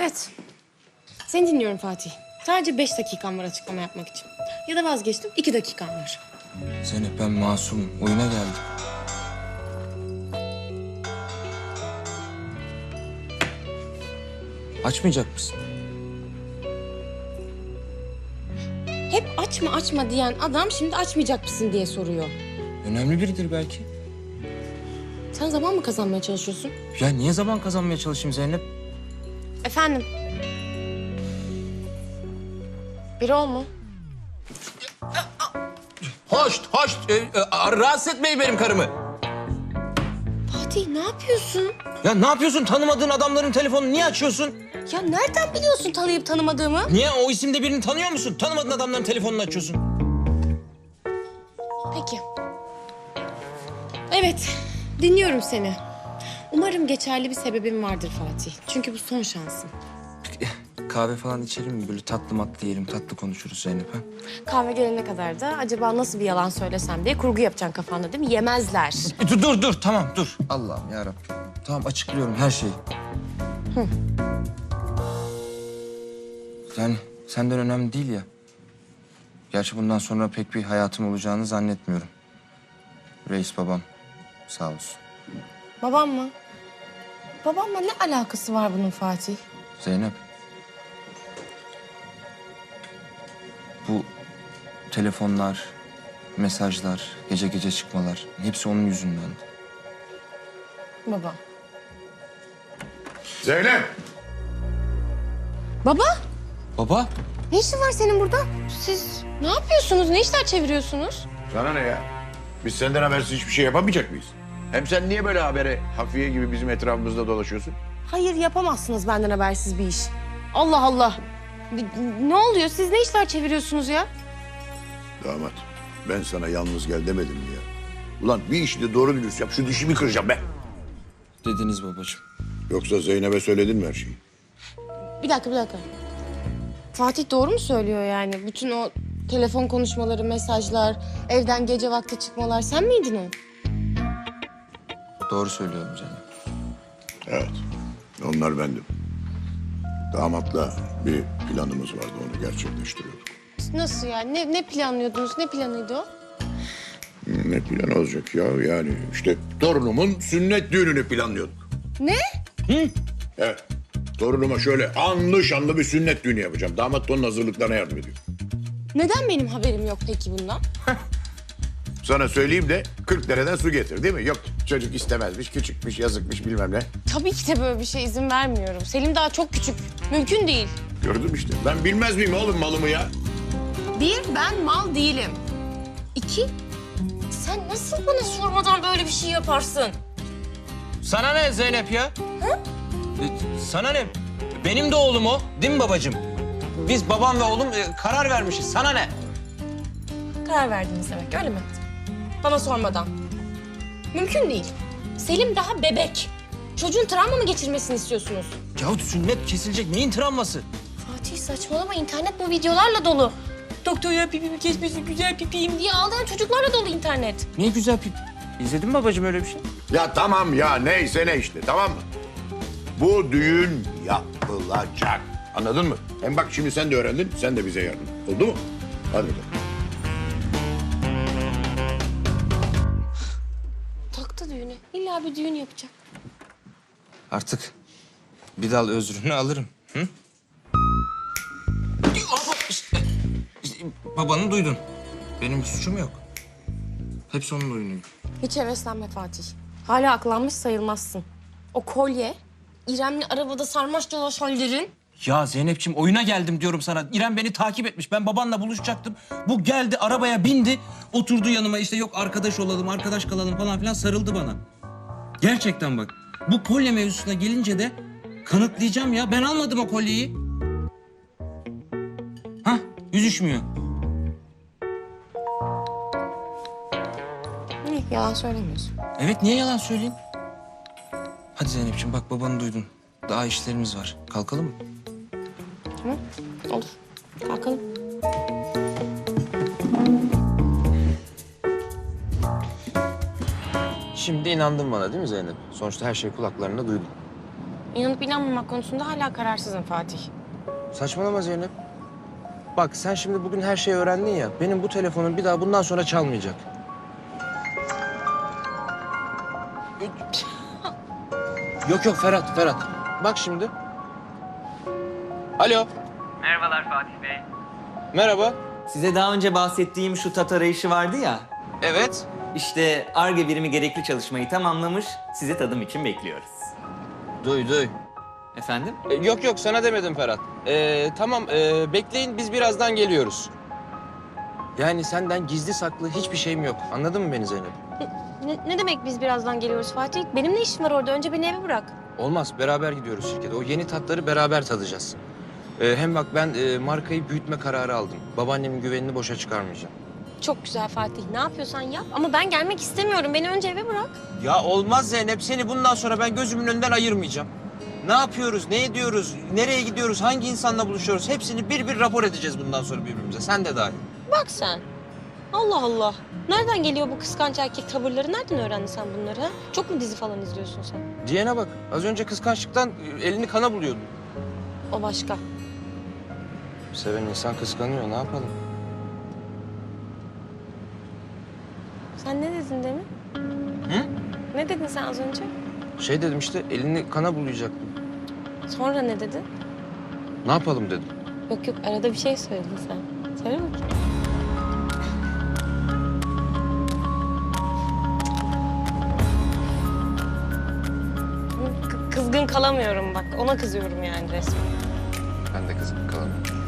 Evet. Seni dinliyorum Fatih. Sadece 5 dakikam var açıklama yapmak için. Ya da vazgeçtim, 2 dakikam var. Zeynep ben masumum. Oyuna geldim. Açmayacak mısın? Hep açma açma diyen adam şimdi açmayacak mısın diye soruyor. Önemli biridir belki. Sen zaman mı kazanmaya çalışıyorsun? Ya niye zaman kazanmaya çalışayım Zeynep? Efendim? Biri ol mu? Hoş. Rahatsız etmeyin benim karımı. Fatih ne yapıyorsun? Ya ne yapıyorsun? Tanımadığın adamların telefonunu niye açıyorsun? Ya nereden biliyorsun tanıyıp tanımadığımı? Niye? O isimde birini tanıyor musun? Tanımadığın adamların telefonunu açıyorsun. Peki. Evet, dinliyorum seni. Umarım geçerli bir sebebin vardır Fatih. Çünkü bu son şansın. Kahve falan içelim mi? Böyle tatlı matlı yiyelim, tatlı konuşuruz Zeynep ha? Kahve gelene kadar da acaba nasıl bir yalan söylesem diye kurgu yapacaksın kafanda değil mi? Yemezler. Dur, tamam dur. Allah'ım yarabbim. Tamam açıklıyorum her şeyi. Yani senden önemli değil ya. Gerçi bundan sonra pek bir hayatım olacağını zannetmiyorum. Reis babam sağ olsun. Babam mı? Babamla ne alakası var bunun Fatih? Zeynep. Bu telefonlar, mesajlar, gece gece çıkmalar hepsi onun yüzünden. Baba. Zeynep! Baba? Baba? Ne işin var senin burada? Siz ne yapıyorsunuz? Ne işler çeviriyorsunuz? Sana ne ya? Biz senden habersiz hiçbir şey yapamayacak mıyız? Hem sen niye böyle habere hafiye gibi bizim etrafımızda dolaşıyorsun? Hayır yapamazsınız benden habersiz bir iş. Allah Allah. Ne oluyor? Siz ne işler çeviriyorsunuz ya? Damat, ben sana yalnız gel demedim mi ya? Ulan bir işi de doğru dürüst yap, şu dişimi kıracağım be. Dediniz babacığım. Yoksa Zeynep'e söyledin mi her şeyi? Bir dakika. Fatih doğru mu söylüyor yani? Bütün o telefon konuşmaları, mesajlar, evden gece vakti çıkmalar sen miydin o? Doğru söylüyorum Zeynep. Evet, onlar bendim. Damatla bir planımız vardı, onu gerçekleştiriyorduk. Nasıl yani? Ne planlıyordunuz? Ne planıydı o? Ne plan olacak ya? Yani işte torunumun sünnet düğününü planlıyorduk. Ne? Evet. Torunuma şöyle anlı şanlı bir sünnet düğünü yapacağım. Damat da onun hazırlıklarına yardım ediyor. Neden benim haberim yok peki bundan? Sana söyleyeyim de 40 dereden su getir değil mi? Yok çocuk istemezmiş, küçükmüş, yazıkmış bilmem ne. Tabii ki de böyle bir şey izin vermiyorum. Selim daha çok küçük. Mümkün değil. Gördüm işte. Ben bilmez miyim oğlum malımı ya? Bir, ben mal değilim. İki, sen nasıl bana sormadan böyle bir şey yaparsın? Sana ne Zeynep ya? Sana ne? Benim de oğlum o, değil mi babacığım? Biz babam ve oğlum karar vermişiz. Sana ne? Karar verdiniz demek öyle mi? Bana sormadan. Mümkün değil. Selim daha bebek. Çocuğun travma mı geçirmesini istiyorsunuz? Ya sünnet kesilecek. Neyin travması? Fatih saçmalama, internet bu videolarla dolu. Doktor ya pipimi kesmesin, güzel pipiyim diye ağlayan çocuklarla dolu internet. Ne güzel pip. İzledin mi babacığım öyle bir şey? Ya tamam ya neyse ne işte tamam mı? Bu düğün yapılacak. Anladın mı? Hem bak şimdi sen de öğrendin, sen de bize yardım. Oldu mu? Hadi bakalım. Taktı düğüne. İlla bir düğün yapacak. Artık bir dal özrünü alırım. Hı? İşte babanı duydun. Benim bir suçum yok. Hepsi onun oyunu. Hiç heveslenme Fatih. Hala aklanmış sayılmazsın. O kolye, İrem'le arabada sarmaş dolaş hallerin. Ya Zeynep'ciğim oyuna geldim diyorum sana. İrem beni takip etmiş. Ben babanla buluşacaktım. Bu geldi arabaya bindi. Oturdu yanıma işte yok arkadaş olalım, arkadaş kalalım falan filan sarıldı bana. Gerçekten bak. Bu kolye mevzusuna gelince de kanıtlayacağım ya. Ben almadım o kolyeyi. Hah yüzüşmüyor. İyi, yalan söylemiyorsun. Evet niye yalan söyleyeyim? Hadi Zeynep'ciğim bak babanı duydun. Daha işlerimiz var. Kalkalım mı? Tamam, olur. Kalkalım. Şimdi inandın bana değil mi Zeynep? Sonuçta her şeyi kulaklarında duydun. İnanıp inanmamak konusunda hala kararsızım Fatih. Saçmalama Zeynep. Bak sen şimdi bugün her şeyi öğrendin ya. Benim bu telefonum bir daha bundan sonra çalmayacak. Yok Ferhat. Bak şimdi. Alo. Merhabalar Fatih Bey. Merhaba. Size daha önce bahsettiğim şu tat arayışı vardı ya. Evet. İşte Ar-Ge birimi gerekli çalışmayı tamamlamış. Sizi tadım için bekliyoruz. Duy. Efendim? Yok sana demedim Ferhat. Tamam bekleyin biz birazdan geliyoruz. Yani senden gizli saklı hiçbir şeyim yok. Anladın mı beni Zeynep? Ne demek biz birazdan geliyoruz Fatih? Benim ne işim var orada? Önce beni eve bırak. Olmaz beraber gidiyoruz şirkete. O yeni tatları beraber tadacağız. Hem bak ben markayı büyütme kararı aldım. Babaannemin güvenini boşa çıkarmayacağım. Çok güzel Fatih. Ne yapıyorsan yap. Ama ben gelmek istemiyorum. Beni önce eve bırak. Ya olmaz Zeynep. Seni bundan sonra ben gözümün önünden ayırmayacağım. Ne yapıyoruz, ne ediyoruz, nereye gidiyoruz, hangi insanla buluşuyoruz hepsini bir rapor edeceğiz bundan sonra birbirimize. Sen de dahil. Bak sen. Allah Allah. Nereden geliyor bu kıskanç erkek tavırları? Nereden öğrendin sen bunları? Ha? Çok mu dizi falan izliyorsun sen? Diyene bak. Az önce kıskançlıktan elini kana buluyordu. O başka. Seven insan kıskanıyor. Ne yapalım? Sen ne dedin demin? Hı? Ne dedin sen az önce? Şey dedim işte elini kana bulayacaktım. Sonra ne dedin? Ne yapalım dedim. Yok arada bir şey söyledin sen. Söyle bakayım. Kızgın kalamıyorum bak. Ona kızıyorum yani resmen. Ben de kızım kalalım.